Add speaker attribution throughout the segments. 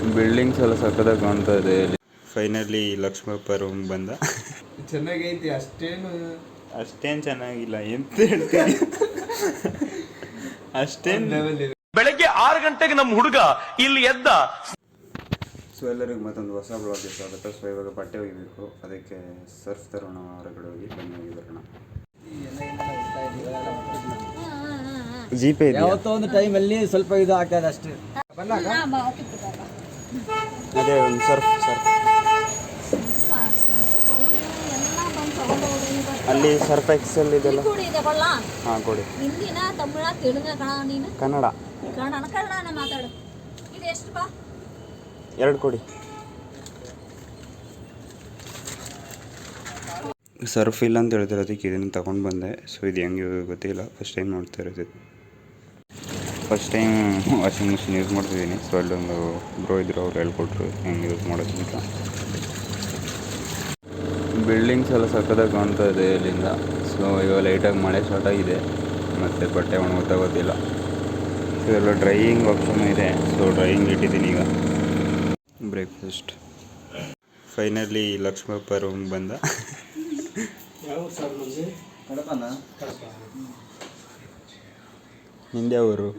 Speaker 1: Buildings ಎಲ್ಲ ಸಕ್ಕತ್ತಾಗಿ ಕಾಣ್ತಾ ಇದೆ ಇಲ್ಲಿ. ಫೈನಲಿ ಲಕ್ಷ್ಮಪ್ಪ ರೂಮ್ ಬಂದ.
Speaker 2: ಚೆನ್ನಾಗೈತಿ, ಅಷ್ಟೇನು
Speaker 1: ಚೆನ್ನಾಗಿಲ್ಲ ಎಂತ ಹೇಳ್ತೀನಿ. ಅಷ್ಟೇನು
Speaker 3: ಬೆಳಗ್ಗೆ 6 ಗಂಟೆಗೆ ನಮ್ಮ ಹುಡುಗ ಇಲ್ಲಿ ಎದ್ದ.
Speaker 1: ಸೊ ಎಲ್ಲರಿಗೂ ಮತ್ತೊಂದು ಹೊಸ ಬ್ಲಾಗ್ಗೆ ಸ್ವಾಗತ. ಸೊ ಇವಾಗ ಬಟ್ಟೆ ಒಗಿಬೇಕು, ಅದಕ್ಕೆ ಸರ್ಫ್ ತರೋಣ, ಹೊರಗಡೆ ಹೋಗಿ ಬನ್ನಿ ಬರೋಣ. ಜಿಪೇ
Speaker 2: ಯಾವತ್ತೋ ಒಂದು ಟೈಮಲ್ಲಿ ಸ್ವಲ್ಪ ಇದು ಆಗ್ತದೆ ಅಷ್ಟೇ.
Speaker 1: ಅದೇ ಒಂದು ಸರ್ಫ್ ಅಲ್ಲಿ ಸರ್ಫ್ ಎಕ್ಸೆಲ್ ಇದೆಲ್ಲ. ಹಾಂ ಕೊಡಿ.
Speaker 4: ಹಿಂದಿನ ತಮಿಳ ತೆಲುಗ
Speaker 1: ಕನ್ನಡ
Speaker 4: ಕನ್ನಡ ಮಾತಾಡು. ಇದು ಎಷ್ಟು ಬಾ?
Speaker 1: 2 ಕೊಡಿ. ಸರ್ಫ್ ಇಲ್ಲ ಅಂತ ಹೇಳ್ತಾರೆ, ಅದಕ್ಕೆ ಇದನ್ನು ತಗೊಂಡು ಬಂದೆ. ಸೊ ಇದು ಹೆಂಗೆ ಗೊತ್ತಿಲ್ಲ, ಫಸ್ಟ್ ಟೈಮ್ ನೋಡ್ತಾ ಇರೋದು. First time washing machine use ಮಾಡ್ತಿದ್ದೀನಿ. ಸೊ ಅಲ್ಲೊಂದು ಬ್ರೋ ಇದ್ರು, ಅವ್ರು ಹೇಳ್ಕೊಟ್ರು ಹೆಂಗೆ ಯೂಸ್ ಮಾಡೋದು ಅಂತ. ಬಿಲ್ಡಿಂಗ್ಸ್ ಎಲ್ಲ ಸಕ್ಕತ್ತಾಗಿ ಕಾಣ್ತಾ ಇದೆ ಇಲ್ಲಿಂದ. ಸೊ ಇವಾಗ ಲೈಟಾಗಿ ಮಳೆ ಸ್ಟಾರ್ಟ್ ಆಗಿದೆ, ಮತ್ತು ಬಟ್ಟೆ ಒಣಗುತ್ತಾ ಗೊತ್ತಿಲ್ಲ. ಸೊ ಎಲ್ಲ ಡ್ರೈಯಿಂಗ್ ಆಪ್ಷನ್ ಇದೆ. ಸೊ ಡ್ರೈಯಿಂಗ್ ಇಟ್ಟಿದ್ದೀನಿ ಈಗ. ಬ್ರೇಕ್ಫಾಸ್ಟ್ ಫೈನಲಿ ಲಕ್ಷ್ಮಪ್ಪ ರೂಮ್ ಬಂದ. ಹಿಂದೆ ಅವರು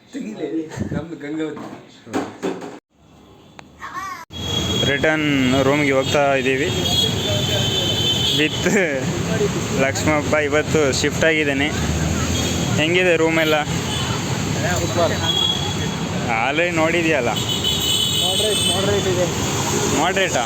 Speaker 1: ರಿಟರ್ನ್ ರೂಮ್ಗೆ ಹೋಗ್ತಾ ಇದ್ದೀವಿ ವಿತ್ ಲಕ್ಷ್ಮಪ್ಪ. ಇವತ್ತು ಶಿಫ್ಟ್ ಆಗಿದ್ದೇನೆ. ಹೆಂಗಿದೆ ರೂಮೆಲ್ಲ? ಆಲ್ರೆಡಿ ನೋಡಿದೆಯಲ್ಲ. ಮಾಡ್ರೇಟಾ?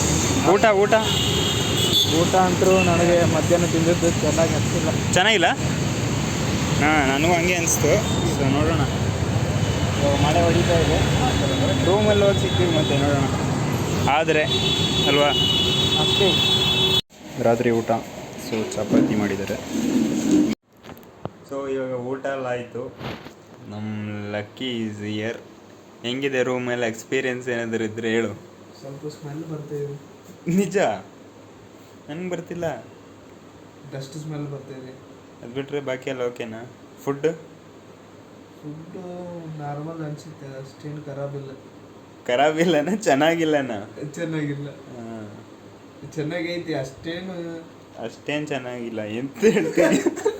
Speaker 1: ಊಟ ಅಂತೂ ನನಗೆ ಮಧ್ಯಾಹ್ನ ತಿಂದಿದ್ದು ಚೆನ್ನಾಗಿಲ್ಲ. ಹಾಂ, ನನಗೂ ಹಂಗೆ ಅನಿಸ್ತು. ಸೊ ನೋಡೋಣ, ಮಳೆ ಹೊಡಿತಾ ಇದೆ. ರೂಮಲ್ಲಿ ಹೋಗಿ ಸಿಗ್ತೀವಿ ಮತ್ತೆ ನೋಡೋಣ. ಆದರೆ ಅಲ್ವಾ, ಅಷ್ಟೇ. ರಾತ್ರಿ ಊಟ ಸೊ ಚಪಾತಿ ಮಾಡಿದ್ದಾರೆ. ಸೊ ಇವಾಗ ಊಟ ಎಲ್ಲ ಆಯಿತು. ನಮ್ಮ ಲಕ್ಕಿ ಈಸ್ ಇಯರ್. ಹೆಂಗಿದೆ ರೂಮೆಲ್ಲ ಎಕ್ಸ್ಪೀರಿಯನ್ಸ್ ಏನಾದರೂ ಇದ್ದರೆ ಹೇಳು.
Speaker 2: ಸ್ವಲ್ಪ ಸ್ಮೆಲ್ ಬರ್ತಿದೆ.
Speaker 1: ನಿಜ ನನಗೆ ಬರ್ತಿಲ್ಲ.
Speaker 2: ಡಸ್ಟ್ ಸ್ಮೆಲ್ ಬರ್ತಿದೆ.
Speaker 1: ಅದು ಬಿಟ್ಟರೆ ಬಾಕಿ ಎಲ್ಲ ಓಕೆನಾ? ಫುಡ್ಡು
Speaker 2: ನಾರ್ಮಲ್ ಅನಿಸುತ್ತೆ, ಅಷ್ಟೇನು
Speaker 1: ಖರಾಬಿಲ್ಲನ? ಚೆನ್ನಾಗಿಲ್ಲನ?
Speaker 2: ಚೆನ್ನಾಗಿಲ್ಲ.
Speaker 1: ಹಾಂ,
Speaker 2: ಚೆನ್ನಾಗೈತಿ,
Speaker 1: ಅಷ್ಟೇನು ಚೆನ್ನಾಗಿಲ್ಲ ಎಂತ ಹೇಳ್ತೀನಿ.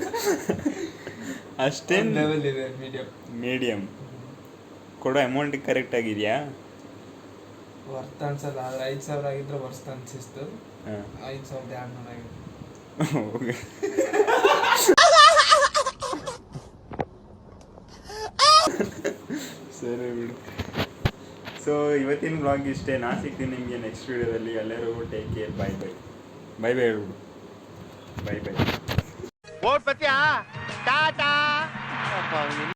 Speaker 1: ಅಷ್ಟೇನು
Speaker 2: ಲೆವೆಲ್ ಇದೆ,
Speaker 1: ಮೀಡಿಯಮ್. ಕೊಡೋ ಅಮೌಂಟಿಗೆ ಕರೆಕ್ಟ್ ಆಗಿದೆಯಾ?
Speaker 2: ವರ್ತ್ ಅನ್ಸಲ್ಲ. ಆದ್ರೆ 5,000 ಆಗಿದ್ರೆ ವರ್ತ್ ಅನ್ಸಿಸ್ತು. 5,200 ಆಗಿದೆ.
Speaker 1: ಸರಿ ಬಿಡು. ಸೊ ಇವತ್ತಿನ ಬ್ಲಾಗ್ ಇಷ್ಟೇ. ನಾನು ಸಿಗ್ತೀನಿ ನಿಮಗೆ ನೆಕ್ಸ್ಟ್ ವೀಡಿಯೋದಲ್ಲಿ. ಎಲ್ಲರೂ ಟೇಕ್ ಕೇರ್. ಬಾಯ್ ಹೇಳ್ಬಿಡು. ಬಾಯ್.